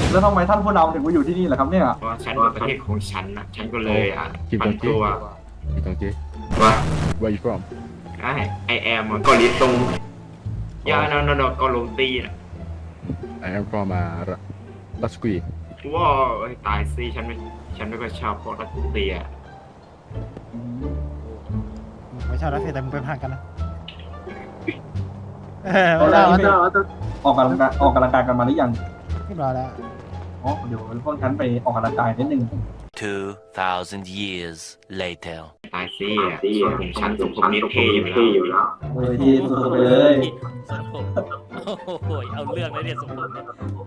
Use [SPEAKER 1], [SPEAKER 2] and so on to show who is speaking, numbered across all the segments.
[SPEAKER 1] แล้วทำไมท่านผู้นำถึงมาอยู่ที่นี่ล่ะครับเนี่ย
[SPEAKER 2] เพราะฉันเป็นประเทศของฉันนะฉันก็เลยผันตัว
[SPEAKER 3] กิมจองจี
[SPEAKER 2] ว่า
[SPEAKER 3] where you from
[SPEAKER 2] ไอแอมเกาหลีตรงยาโนเกาหลีตีนะ
[SPEAKER 3] I am from รัสกี
[SPEAKER 2] ว้าตายสิฉันไม่ค่อยชอบพวกรัสเซีย
[SPEAKER 4] ไม่ชอบรัสเซียแต่มึงเป็นทหารกันนะ
[SPEAKER 1] ตอนแร
[SPEAKER 4] ไม่ชอก บ
[SPEAKER 1] นี่ออกกำลังกายกันมาหรือยัง
[SPEAKER 4] เรียบร้อยแล้ว
[SPEAKER 1] อ๋อเดี๋ยวพวกฉันไปออกกำลังกายนิดนึง
[SPEAKER 5] 2,000 years later
[SPEAKER 2] ตายสิส่วนของฉันสมผมนี่เท่อยู่แล้ว
[SPEAKER 1] เฮ้ยที่สุดไปเลย
[SPEAKER 6] สมผมโอ้ยเอาเรื่องเลยเนี่ยสมผมเนี่ย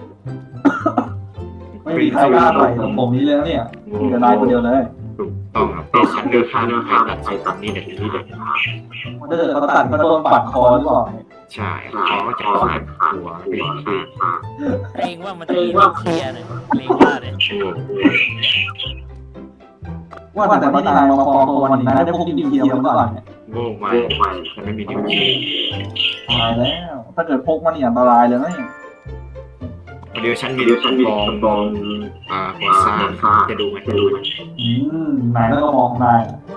[SPEAKER 1] ไม่มีใครกล้าใส่ผมนี้เลยนะเนี่ยมีแต่นายคนเดียวเลย
[SPEAKER 2] ถูกต้องครับแต่ฉันเลือกข้ามใครตัดใครตัดนี่เด็ดที่เด็ด
[SPEAKER 1] ถ้าเกิดเขาตัดก็โดนปัดคอหรือเปล่า
[SPEAKER 2] ใช่เขาก็จะขาดหัวเป็นขาด
[SPEAKER 6] เกรงว่ามันจะมีนิวเคลียร์เนี่ยเกรงว่าเนี่ย
[SPEAKER 1] ว่าแต่ที่นายมาปลอมตัววันนี้นายได้พกนิวเคลียร์มาก่อนเนี่ย
[SPEAKER 2] โง่ไปฉันไม่มีนิ้วชี้
[SPEAKER 1] ตายแล้ว ถ้าเกิดพกมาเนี่ยอันตรายเลยนะ
[SPEAKER 2] เดี๋ยวฉันมีบองก่อสร้างจะดูไหม
[SPEAKER 1] นายก็มองนาย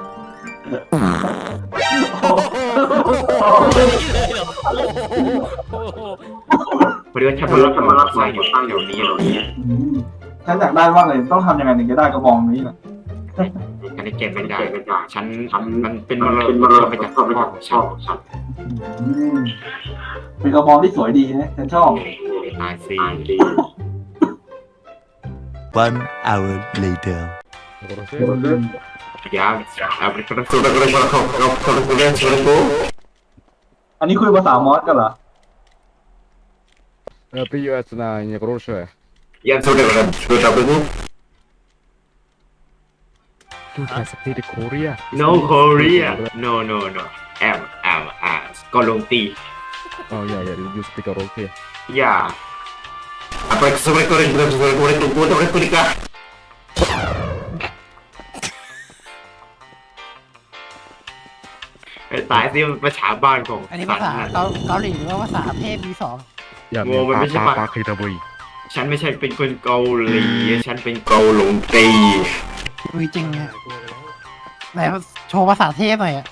[SPEAKER 2] เดี๋ยวฉันรู้ว่าก่อสร้างอยู่แถวนี้
[SPEAKER 1] ฉันอยากได้มากเลยต้องทำยังไงถึงจะได้กระบองนี้ล่ะ
[SPEAKER 2] ฉันได้เก็บไม่ได้ฉันมันเป็นมรดกมาจากพ่อของฉัน
[SPEAKER 1] เป็นกระบองที่สวยดีนะฉันชอบ
[SPEAKER 2] ตายสิ
[SPEAKER 5] 1 hour later
[SPEAKER 2] ยาเป็นคนสุดเลยคนเล่นสุดกู
[SPEAKER 1] อันนี้คุยภาษามอสกันเหรอ
[SPEAKER 3] приветствую не хорошее
[SPEAKER 2] ยันสุดเลยสุดแบบนี้
[SPEAKER 3] Dude I speak Korea
[SPEAKER 2] No Korea Noก็ลงตี
[SPEAKER 3] oh yeah you speak okay
[SPEAKER 2] อย่าapa sobre Korea ตายสิภาษาบ้านของ
[SPEAKER 4] อันนี้ภาษาเกาหลีหรือว่าภาษาเทพ V2
[SPEAKER 3] อย่า
[SPEAKER 2] โง่มันไม่ใช่ปะ
[SPEAKER 3] ปาคิตาบุย
[SPEAKER 2] ฉันไม่ใช่เป็นคนเกาหลีฉันเป็นเกาหลงตี
[SPEAKER 4] จริงอะไหนโชว์ภาษาเทพหน่อยอะ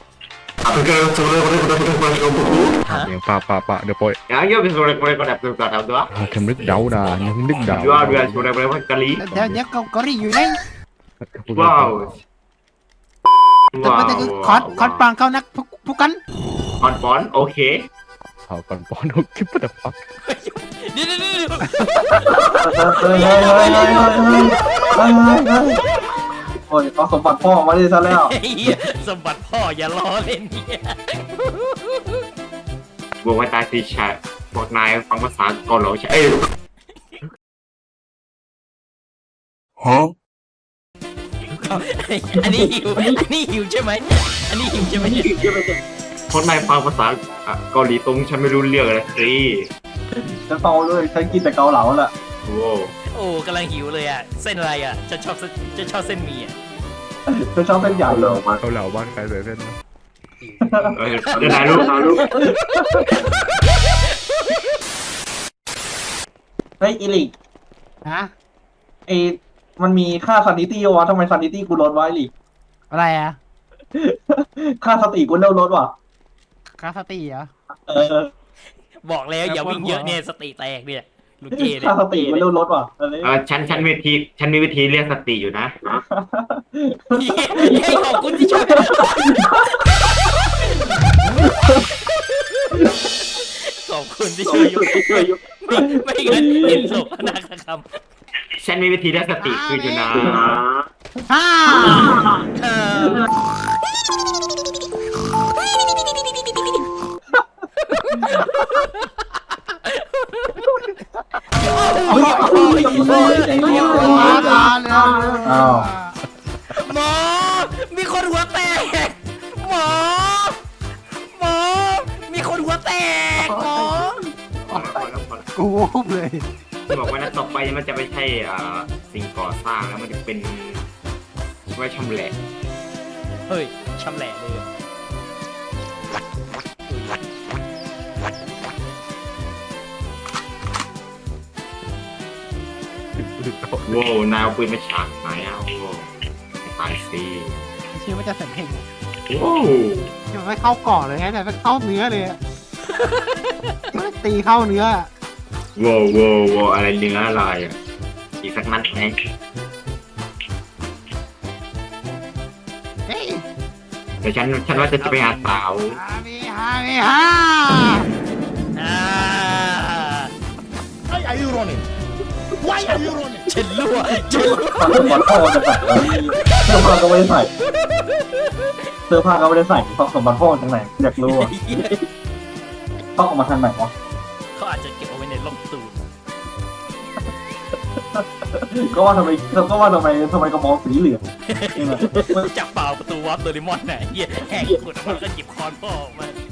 [SPEAKER 3] เสียงปะเดี๋ยวปล่อย
[SPEAKER 2] อย่างเงี้ยเป็นsobreก็แบบตัวตัว
[SPEAKER 3] ทำนึกเดานะยังนึกเดา
[SPEAKER 2] ว่าเรื่องsobreเกาหลี
[SPEAKER 4] เดี๋ยวเกาหลีอยู่ไหน
[SPEAKER 2] ว้าว
[SPEAKER 4] แต่ไม่ได้คอสปังเข้านักผู้กัน
[SPEAKER 2] ปอนโอเค
[SPEAKER 3] เขาก่อนปอนคลิปแต่ฟัก
[SPEAKER 6] เดี๋ยว
[SPEAKER 1] โอ้ยเอาสมบัติพ่อมาได้ซะแล้ว
[SPEAKER 6] สมบัติพ่ออย่าล้อเล่นเนี่ย
[SPEAKER 2] บอกว่าตายสิชาบอกนายฟังภาษาเกาหลีใช่
[SPEAKER 6] อันนี้หิวใช่ไหมอันนี้หิวใช่ไหมเนี่ย
[SPEAKER 2] คนนายฟังภาษาเกาหลีตรงฉันไม่รู้เรื่องเลยสิ
[SPEAKER 1] ฉันเมาเลยฉันกินแต่เกาเหลาแหละ
[SPEAKER 2] โอ้
[SPEAKER 6] โอ้กำลังหิวเลยอ่ะเส้นอะไรอ่ะจะชอบเส้นหมี่อ่ะ
[SPEAKER 1] ฉันชอบเส้นใหญ่เลย
[SPEAKER 3] เขาเหล่าบ้านใครเลยเพื่อน
[SPEAKER 2] เดี๋ยวนายรู้
[SPEAKER 1] เฮ้ยอิลิก
[SPEAKER 4] ฮะ
[SPEAKER 1] มันมีค่าซานิตี้วะทำไมซานิตี้กูลดไว้ลิก
[SPEAKER 4] อะไรอะ
[SPEAKER 1] ค่าสติกูเริ่มลดว่ะ
[SPEAKER 4] คาสติเหรอ
[SPEAKER 1] เออ
[SPEAKER 6] บอกแล้วอย่าวิ่งเยอะเนี่ยสติแตกเนี่ยลูกเจเนี่ย
[SPEAKER 1] ค่าสติกูเริ่มลดว่ะ
[SPEAKER 2] ฉันมีวิธีเรียกสติอยู่นะ
[SPEAKER 6] ให้ขอบคุณที่ช่วยขอบคุณที่ช่วยยุไม่งั้นเห็นศพนาคคำ
[SPEAKER 2] ฉันมีวิธีเรียกสติคืออยู่นะ
[SPEAKER 4] ฮ่า
[SPEAKER 1] อ้าว
[SPEAKER 6] หมอมีคนหัวแตกหมอมีคนหัวแตกหมอ
[SPEAKER 4] กูวูบเลย
[SPEAKER 2] บอกว่านัดต่อไปมันจะไม่ใช่สิ่งก่อสร้างแล้วมันจะเป็นไว้ชำแหละ
[SPEAKER 6] เฮ้ยชำแหละเลย
[SPEAKER 2] โว้วนายเอาปืนมาฉากไหนอ่ะโว้ตายสิ
[SPEAKER 4] ชื่อมันจะเสร็จเพลง
[SPEAKER 2] โว้
[SPEAKER 4] มันไม่เข้าก่อนเลยนะแต่มันเข้าเนื้อเลยอะมันตีเข้าเนื้อ
[SPEAKER 2] โว้โว้โว้อะไรเนื้ออะไรอ่ะอีกสักนัดไหม
[SPEAKER 4] เฮ้ย
[SPEAKER 2] เดี๋ยวฉันว่าจะไปหาสาว
[SPEAKER 4] ฮามีฮามีฮา
[SPEAKER 6] อ่า
[SPEAKER 7] Why are you running? Why are you running?
[SPEAKER 6] เช่นรั่วเช่นรั่ว
[SPEAKER 1] เสื้อผ้าจะใส่เสื้อผ้าก็ไม่ได้ใส่เสื้อผ้าก็ไม่ได้ใส่เพราะสมบัติพ่อจากไหนอยากรู้อะต้องออกมาทางไหนวะ
[SPEAKER 6] เขาอาจจะเก็บเอาไว้ในร่องตูน
[SPEAKER 1] ก็ว่าทำไมกระบองสีเหลืองนี่นะ
[SPEAKER 6] จับเปล่าประตูวาร์ปโดเรมอนน่ะเหี้ยแหกกดออกมาแล้วก็หยิบคอนพ่อออกมา